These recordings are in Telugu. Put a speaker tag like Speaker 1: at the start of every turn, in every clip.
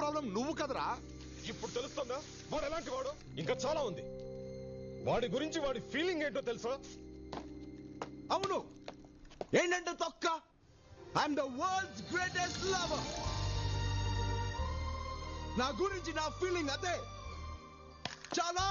Speaker 1: ప్రాబ్లం నువ్వు కదరా.
Speaker 2: ఇప్పుడు తెలుస్తుందా వాడు ఎలాంటి వాడు? ఇంకా చాలా ఉంది. వాడి గురించి వాడి ఫీలింగ్ ఏంటో తెలుసా?
Speaker 1: అవును, ఏంటంటే తొక్క. I'm the world's greatest lover. నా గురించి నా ఫీలింగ్ అదే. చాలా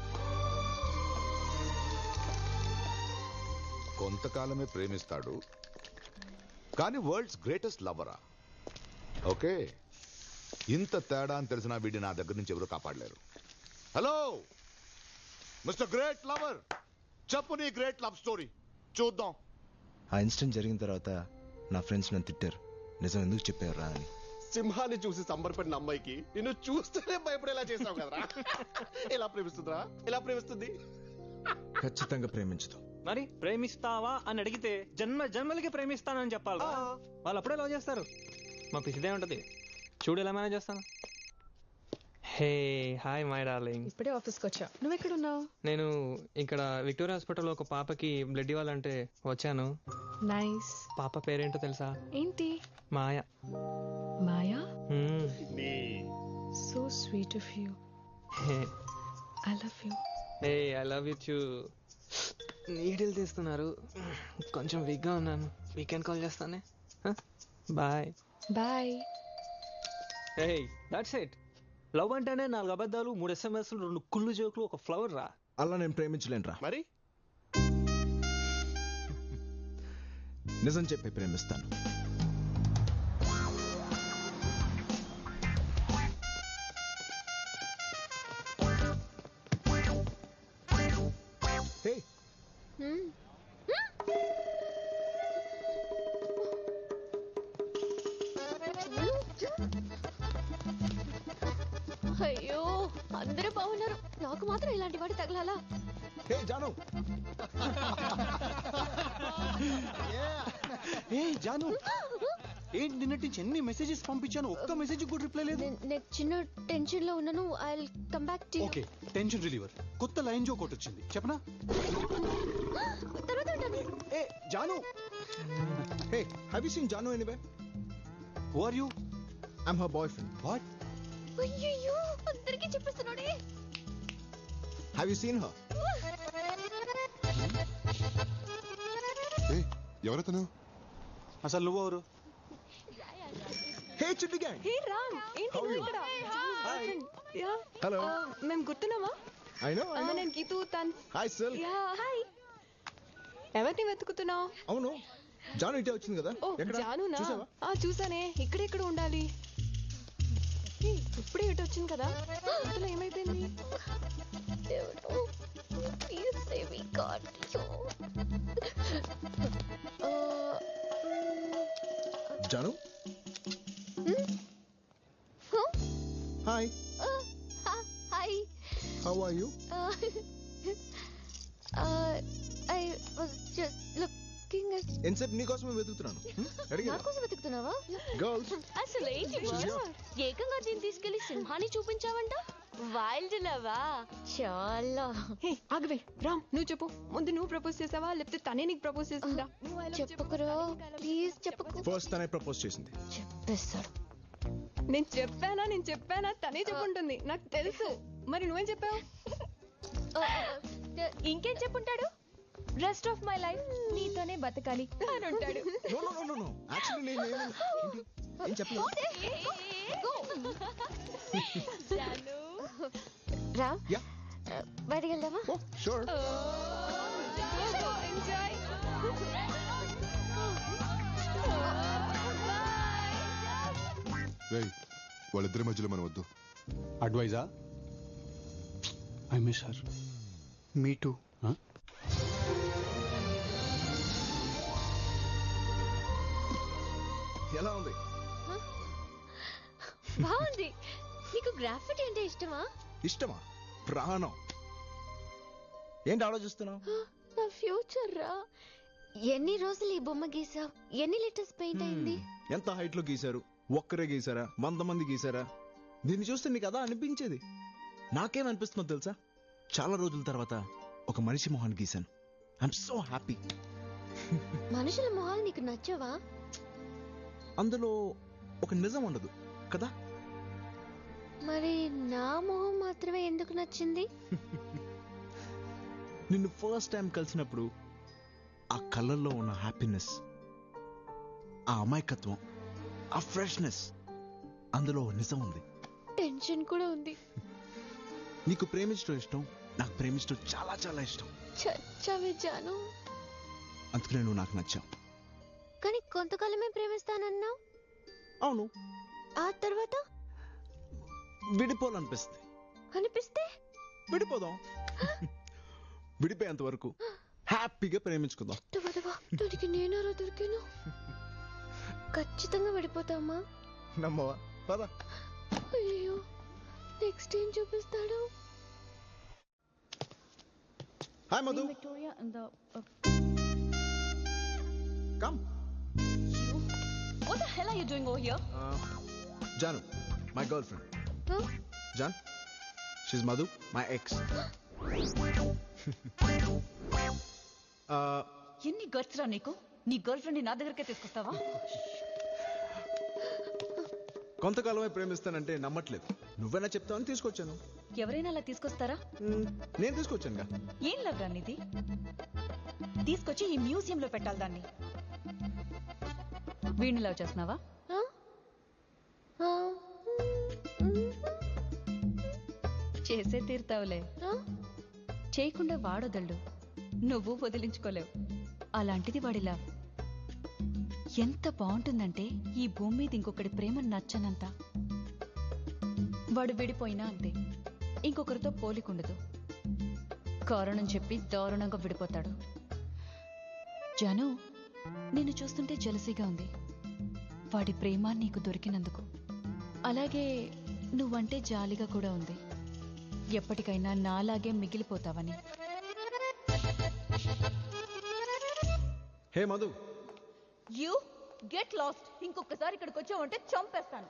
Speaker 1: కొంతకాలమే ప్రేమిస్తాడు, కానీ వరల్డ్స్ గ్రేటెస్ట్ లవరా? ఓకే, ఇంత తేడా అని తెలిసిన వీడి నా దగ్గర నుంచి ఎవరు కాపాడలేరు. హలో మిస్టర్ గ్రేట్ లవర్, చెప్పు నీ గ్రేట్ లవ్ స్టోరీ చూద్దాం.
Speaker 3: ఆ ఇన్సిడెంట్ జరిగిన తర్వాత నా ఫ్రెండ్స్ నన్ను తిట్టారు, నిజం ఎందుకు చెప్పారా అని.
Speaker 4: సింహాన్ని చూసి సంబరపడిన అమ్మాయికి నిన్ను చూస్తేనే భయపడేలా చేసావు కదరా. ఎలా ప్రేమిస్తుందిరా? ఎలా ప్రేమిస్తుంది?
Speaker 3: ఖచ్చితంగా ప్రేమించదు.
Speaker 5: మరి ప్రేమిస్తావా అని అడిగితే జన్మ జన్మలకి ప్రేమిస్తానని చెప్పాలి. వాళ్ళు అప్పుడే లవ్ చేస్తారు. మా పిచ్చిదే ఉంటది. చూడు ఎలా మేనేజ్ చేస్తాను. Hey hi my darling.
Speaker 6: ఇప్పుడే ఆఫీస్కి వచ్చా. నువ్వు ఎక్కడున్నావు?
Speaker 5: నేను ఇక్కడ విక్టోరియా హాస్పిటల్లో ఒక పాపకి బ్లడ్ ఇవ్వాలంటే వచ్చాను.
Speaker 6: నైస్.
Speaker 5: పాప పేరేంటో తెలుసా?
Speaker 6: ఏంటి?
Speaker 5: మాయ.
Speaker 6: మాయా?
Speaker 4: నీ
Speaker 6: so sweet of you. I love you.
Speaker 5: Hey I love you too. Needle తీస్తున్నారు, కొంచెం వీక్గా ఉన్నాను. వీకెండ్ కాల్ చేస్తానే. Bye
Speaker 6: bye.
Speaker 5: Hey that's it. Love అంటేనే 4 అబద్ధాలు, 3 SMS, 2 కుళ్ళు జోకులు, ఒక ఫ్లవర్ రా.
Speaker 3: అలా నేను ప్రేమించలేనురా.
Speaker 4: మరి
Speaker 3: నిజం చెప్పి ప్రేమిస్తాను. హే
Speaker 7: అయ్యో అందరూ బాగున్నారు, నాకు మాత్రం ఇలాంటి వాడి తగలాలా?
Speaker 3: హే జాను.
Speaker 4: ఏ జాను, ఏంటి నిన్నటి నుంచి ఎన్ని మెసేజెస్ పంపించాను, ఒక్క మెసేజ్ కూడా రిప్లై లేదు.
Speaker 7: నేను చిన్న టెన్షన్ లో ఉన్నాను. I will come back to you.
Speaker 4: Okay, tension reliever కొత్త లైన్ జోక్ ఒకటి వచ్చింది, చెప్పనా?
Speaker 7: తర్వాత ఉంటాను.
Speaker 4: ఏ Janu.
Speaker 3: Hey have you seen Janu anyway?
Speaker 4: Who are you?
Speaker 3: I am her boyfriend.
Speaker 4: What?
Speaker 7: అయ్యో అందరికీ చెప్పేస్తున్నాడే.
Speaker 3: Have you seen her?
Speaker 1: ఎవరతను?
Speaker 4: అసలు నువ్వెవరు?
Speaker 3: హే చిట్టి గ్యాంగ్.
Speaker 6: హే రామ్, ఏంటి నువ్వు ఇక్కడ? Yeah
Speaker 3: hello.
Speaker 6: మేము గుర్తున్నామా?
Speaker 3: I know.
Speaker 6: నేను గీతూ తన్.
Speaker 3: హాయ్ సిల్.
Speaker 6: Yeah hi. ఎవరిని వెతుకుతున్నావు?
Speaker 3: అవును, జాను ఇటే వచ్చింది కదా.
Speaker 6: ఓ
Speaker 3: ఎక్కడ
Speaker 6: జానునా?
Speaker 3: చూసావా?
Speaker 6: చూసానే. ఇక్కడెక్కడ ఉండాలి? ఇప్పుడే ఇటు వచ్చింది కదా. ఇంతలో ఏమైపోయింది?
Speaker 7: దేవుడు please save me god.
Speaker 3: Janu. Hi.
Speaker 7: Hi.
Speaker 3: How are you?
Speaker 7: I was just looking at.
Speaker 3: ఎన్సెప్ నీ కోసమే వెతుకుతున్నాను.
Speaker 7: నా కోసం వెతుకుతున్నావా?
Speaker 3: గర్ల్స్.
Speaker 7: అసలు ఏంటి ఏకంగా దీన్ని తీసుకెళ్లి సింహాన్ని చూపించావంట? వైల్డ్ లవా? చాలా.
Speaker 6: హే ఆగవే రామ్, నువ్వు చెప్పు. ముందు నువ్వు ప్రపోజ్ చేసావా లేకపోతే తనే నీకు ప్రపోజ్ చేసిందా?
Speaker 7: చెప్పకురా ప్లీజ్ చెప్పకు.
Speaker 3: ఫస్ట్ తనే ప్రపోజ్ చేసింది.
Speaker 7: చెప్పేస్తాడు.
Speaker 6: నేను చెప్పానా తనే చెప్పుంటుంది, నాకు తెలుసు. మరి నువ్వేం చెప్పావు?
Speaker 7: ఇంకేం చెప్పుంటాడు? రెస్ట్ ఆఫ్ మై లైఫ్ నీతోనే బతకాలి అని ఉంటాడు.
Speaker 3: No no no no actually నేను ఏం చెప్పలేదు.
Speaker 7: రా
Speaker 3: యా
Speaker 7: బయటికి వెళ్దామా?
Speaker 3: Oh sure.
Speaker 6: ఎంజాయ్.
Speaker 1: వాళ్ళిద్దరి మధ్యలో మనం వద్దు.
Speaker 4: అడ్వైజా? I miss her. Me too.
Speaker 3: ఎలా ఉంది?
Speaker 7: బాగుంది. నీకు గ్రాఫిటీ అంటే ఇష్టమా?
Speaker 3: ఇష్టమా? ప్రాణం. ఏంటి ఆలోచిస్తున్నావు?
Speaker 7: నా ఫ్యూచర్ రా. ఎన్ని రోజులు ఈ బొమ్మ గీసావు? ఎన్ని లీటర్స్ పెయింట్ అయింది?
Speaker 3: ఎంత హైట్ లో గీశారు? ఒక్కరే గీసారా? 100 మంది గీసారా? దీన్ని చూస్తే నీకు అదా అనిపించేది. నాకేమనిపిస్తుందో తెలుసా? చాలా రోజుల తర్వాత ఒక మనిషి మొహాన్ని గీశాను. I'm so happy.
Speaker 7: మనుషుల మొహాలు నీకు నచ్చవా?
Speaker 3: అందులో ఒక నిజం ఉండదు కదా.
Speaker 7: మరి నా మొహం మాత్రమే ఎందుకు నచ్చింది?
Speaker 3: నిన్ను ఫస్ట్ టైం కలిసినప్పుడు ఆ కళ్ళల్లో ఉన్న హ్యాపీనెస్, ఆ అమాయకత్వం, ఆ ఫ్రెష్నెస్, అందులో నిజం ఉంది.
Speaker 7: టెన్షన్ కూడా ఉంది.
Speaker 3: నీకు ప్రేమించడం ఇష్టం, నాకు ప్రేమించడం చాలా చాలా ఇష్టం.
Speaker 7: చచ్చావే జాను.
Speaker 3: అందుకనే నువ్వు నాకు నచ్చావు.
Speaker 7: కానీ కొంతకాలమే ప్రేమిస్తానన్నావు.
Speaker 3: అవును,
Speaker 7: ఆ తర్వాత
Speaker 3: విడిపోవాలనిపిస్తుంది.
Speaker 7: అనిపిస్తే
Speaker 3: విడిపోదాం. విడిపోయేంత వరకు హ్యాపీగా ప్రేమించుకుందాం.
Speaker 7: దానికి నేనారా దొరికాను. ఖచ్చితంగా విడిపోతామా?
Speaker 3: నమ్మవా? పద.
Speaker 7: అయ్యో, నెక్స్ట్ ఏం చూపిస్తాడు?
Speaker 3: Hi Madhu. Come.
Speaker 8: What the hell are you doing over here?
Speaker 3: Janu, my girlfriend.
Speaker 7: Huh?
Speaker 3: Jan, she's Madhu, my ex.
Speaker 8: ఎన్ని గట్స్ రా నీకు? నీ గర్ల్ ఫ్రెండ్ నా దగ్గరకే తీసుకొస్తావా?
Speaker 3: కొంతకాలమే ప్రేమిస్తానంటే నమ్మట్లేదు. నువ్వైనా చెప్తావని తీసుకొచ్చాను.
Speaker 8: ఎవరైనా అలా తీసుకొస్తారా?
Speaker 3: నేను తీసుకొచ్చానుగా.
Speaker 8: ఏం లవ్ రా నీది? తీసుకొచ్చి ఈ మ్యూజియం లో పెట్టాలి దాన్ని. వీడిని లవ్ చేస్తున్నావా? చేసే తీరుతావులే. చేయకుండా వాడొదళ్ళు, నువ్వు వదిలించుకోలేవు. అలాంటిది వాడి లవ్ ఎంత బాగుంటుందంటే ఈ భూమి మీద ఇంకొకటి ప్రేమ నచ్చనంత. వాడు విడిపోయినా అంతే, ఇంకొకరితో పోలికుండదు. కారణం చెప్పి దారుణంగా విడిపోతాడు. జాను, నిన్ను చూస్తుంటే జలసీగా ఉంది. వాడి ప్రేమ నీకు దొరికినందుకు. అలాగే నువ్వంటే జాలిగా కూడా ఉంది. ఎప్పటికైనా నాలాగే మిగిలిపోతావని.
Speaker 3: Hey Madhu.
Speaker 8: You get lost. ఇంకొకసారి ఇక్కడికి వచ్చావంటే చంపేస్తాను.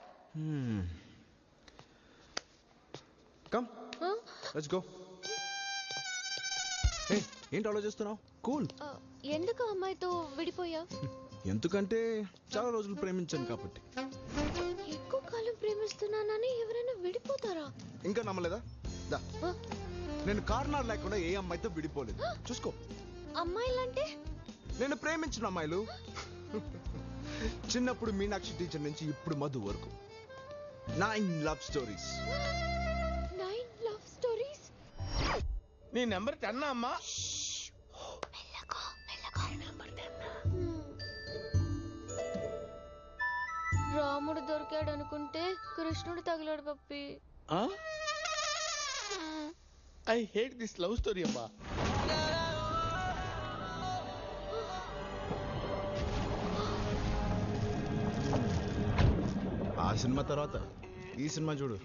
Speaker 3: Come, let's go. హే, ఏంటి ఆలోచిస్తున్నావు? కూల్.
Speaker 7: ఎందుకు అమ్మాయితో విడిపోయా?
Speaker 3: ఎందుకంటే చాలా రోజులు ప్రేమించాను కాబట్టి.
Speaker 7: ఎక్కువ కాలం ప్రేమిస్తున్నానని ఎవరైనా విడిపోతారా?
Speaker 3: ఇంకా నమ్మలేదా? దా. నేను కారణాలు లేకుండా ఏ అమ్మాయితో విడిపోలేదు. చూసుకో.
Speaker 7: అమ్మాయిలంటే?
Speaker 3: నేను ప్రేమించిన అమ్మాయిలు. చిన్నప్పుడు మీనాక్షి టీచర్ నుంచి ఇప్పుడు మధు వరకు 9 లవ్ స్టోరీస్.
Speaker 7: 9 love stories?
Speaker 9: నీ నెంబర్ 10 అమ్మా?
Speaker 7: రాముడు దొరికాడు అనుకుంటే కృష్ణుడు తగిలాడు పప్పి.
Speaker 9: I hate this love story అమ్మా.
Speaker 3: ఆ సినిమా తర్వాత ఈ సినిమా చూడు.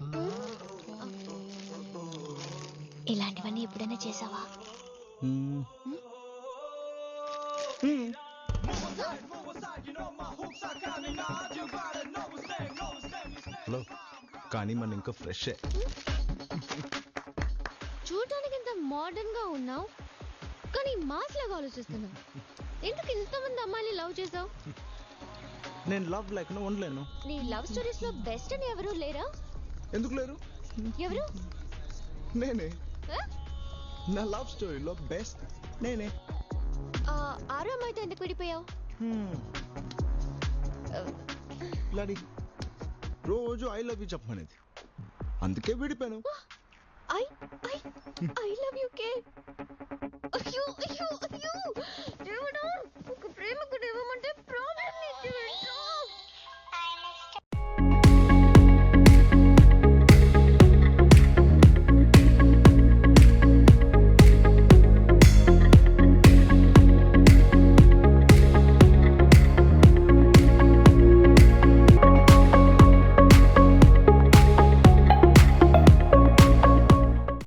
Speaker 7: ఇలాంటివన్నీ ఎప్పుడైనా చేసావా?
Speaker 3: హలో, కానీ మన ఇంకా ఫ్రెష్.
Speaker 7: చూడటానికి ఇంత మోడర్న్ గా ఉన్నావు, కానీ మాస్ లాగా ఆలోచిస్తున్నావు. ఎందుకు ఇంతమంది అమ్మాయిని లవ్ చేసావు?
Speaker 3: నేను లవ్ లేకుండా ఉండలేను.
Speaker 7: నీ లవ్ స్టోరీస్ లో బెస్ట్ అని ఎవరు లేరా?
Speaker 3: ఎందుకు లేరు?
Speaker 7: ఎవరు?
Speaker 3: నేనే. నా లవ్ స్టోరీలో బెస్ట్ నేనే.
Speaker 7: ఆరో అమ్మాయితో ఎందుకు విడిపోయావు?
Speaker 3: లాడి రోజు ఐ లవ్ యూ చెప్పమనేది, అందుకే విడిపోయాను.
Speaker 7: ఐ లవ్ యూ కే. అయ్యో అయ్యో అయ్యో దేవుడా, ఒక ప్రేమకుడు ఇవ్వమంటే ప్రాబ్లం